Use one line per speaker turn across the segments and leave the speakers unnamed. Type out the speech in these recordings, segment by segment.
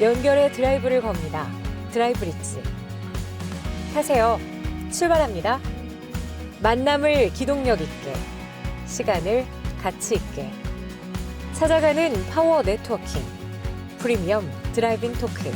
연결해 드라이브를 겁니다. 드라이브리지. 타세요. 출발합니다. 만남을 기동력 있게, 시간을 가치 있게. 찾아가는 파워 네트워킹. 프리미엄 드라이빙 토크.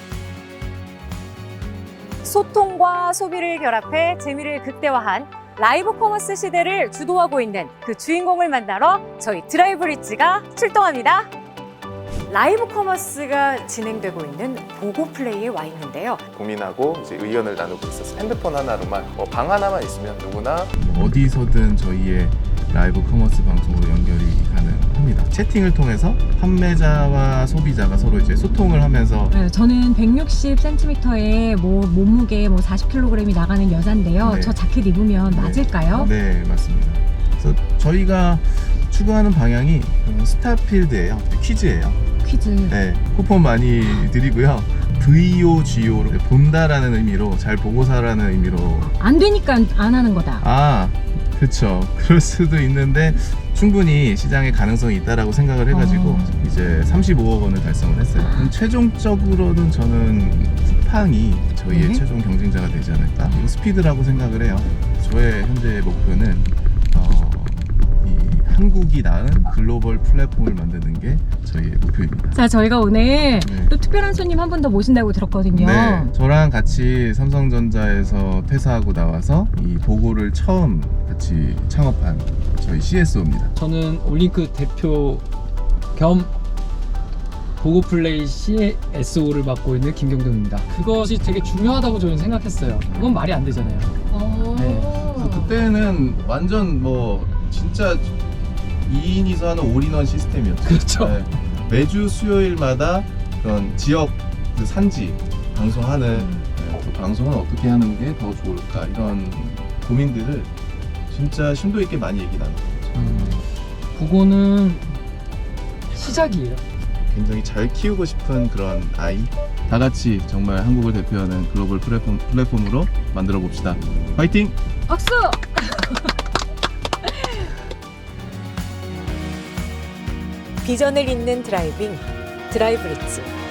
소통과 소비를 결합해 재미를 극대화한 라이브 커머스 시대를 주도하고 있는 그 주인공을 만나러 저희 드라이브리지가 출동합니다. 라이브 커머스가 진행되고 있는 보고플레이에 와 있는데요.
고민하고 이제 의견을 나누고 있었어요. 핸드폰 하나로만 방 하나만 있으면 누구나
어디서든 저희의 라이브 커머스 방송으로 연결이 가능합니다. 채팅을 통해서 판매자와 소비자가 서로 이제 소통을 하면서
네, 저는 160cm의 몸무게 40kg이 나가는 여잔데요.
네.
저 자켓 입으면 맞을까요?
네, 맞습니다. 그래서 저희가 추구하는 방향이 스타필드예요. 퀴즈예요.
퀴즈.
네, 쿠폰 많이 드리고요. VOGO로 본다라는 의미로 잘 보고사라는 의미로
안 되니까 안 하는 거다.
그렇죠. 그럴 수도 있는데 충분히 시장에 가능성이 있다라고 생각을 해가지고 이제 35억 원을 달성을 했어요. 최종적으로는 저는 쿠팡이 저희의
네.
최종 경쟁자가 되지 않을까. 이거 스피드라고 생각을 해요. 저의 현재 목표는 이 한국이 낳은 글로벌 플랫폼을 만드는 게 저희의 목표입니다.
자, 저희가 오늘
네.
또 특별한 손님 한 분 더 모신다고 들었거든요.
네, 저랑 같이 삼성전자에서 퇴사하고 나와서 이 보고를 처음 같이 창업한 저희 CSO입니다.
저는 올링크 대표 겸 보고플레이 CSO를 맡고 있는 김경동입니다. 그것이 되게 중요하다고 저는 생각했어요. 그건 말이 안 되잖아요. 네.
그래서 그때는 완전 진짜 2인이서 하는 올인원 시스템이었죠.
그렇죠.
네, 매주 수요일마다 그런 지역 그 산지 방송하는 그 방송은 어떻게 하는 게 더 좋을까 이런 고민들을 진짜 심도 있게 많이 얘기 나눴죠.
보고는 시작이에요.
굉장히 잘 키우고 싶은 그런 아이 다 같이 정말 한국을 대표하는 글로벌 플랫폼으로 만들어 봅시다. 화이팅!
박수!
비전을 잇는 드라이빙, 드라이브리지.